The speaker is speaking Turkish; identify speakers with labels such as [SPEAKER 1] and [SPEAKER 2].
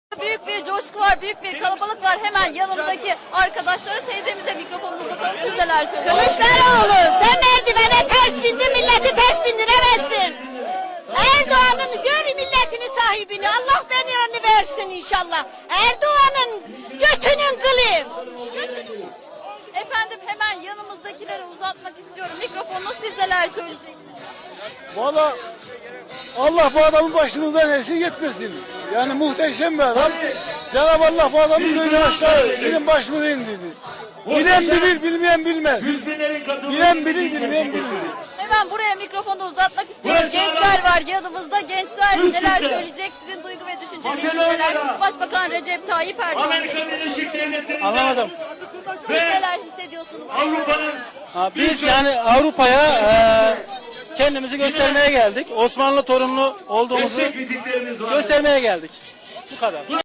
[SPEAKER 1] Büyük bir coşku var, büyük bir kalabalık var. Hemen yanımdaki arkadaşlara, teyzemize mikrofonu uzatalım. Siz neler söylüyorsunuz?
[SPEAKER 2] Kılıçdaroğlu, sen merdivene ters bindin, milleti ters bindiremezsin. Erdoğan'ın gör milletini sahibini, Allah belanı versin inşallah. Erdoğan'ın götünün kılı.
[SPEAKER 1] Efendim hemen yanımızdakilere uzatmak istiyorum mikrofonu. Siz neler söyleyeceksiniz?
[SPEAKER 3] Valla Allah bu adamın başımızdan esir etmesin. Yani muhteşem bir adam. Cenab-ı Allah bu adamın böyle aşağı bizim başımıza indirdi. Bilen bilir, bilmeyen bilmez. Bilen bilir, bilmeyen bilir.
[SPEAKER 1] Hemen buraya mikrofonu uzatmak istiyorum. Gençler var yanımızda. Gençler neler söyleyecek? Sizin duygu ve düşünceleriniz neler? Başbakan Recep Tayyip Erdoğan.
[SPEAKER 3] Anlamadım.
[SPEAKER 1] Siz neler hissediyorsunuz?
[SPEAKER 3] Biz yani Avrupa'ya kendimizi göstermeye geldik. Osmanlı torunlu olduğumuzu göstermeye geldik. Bu kadar.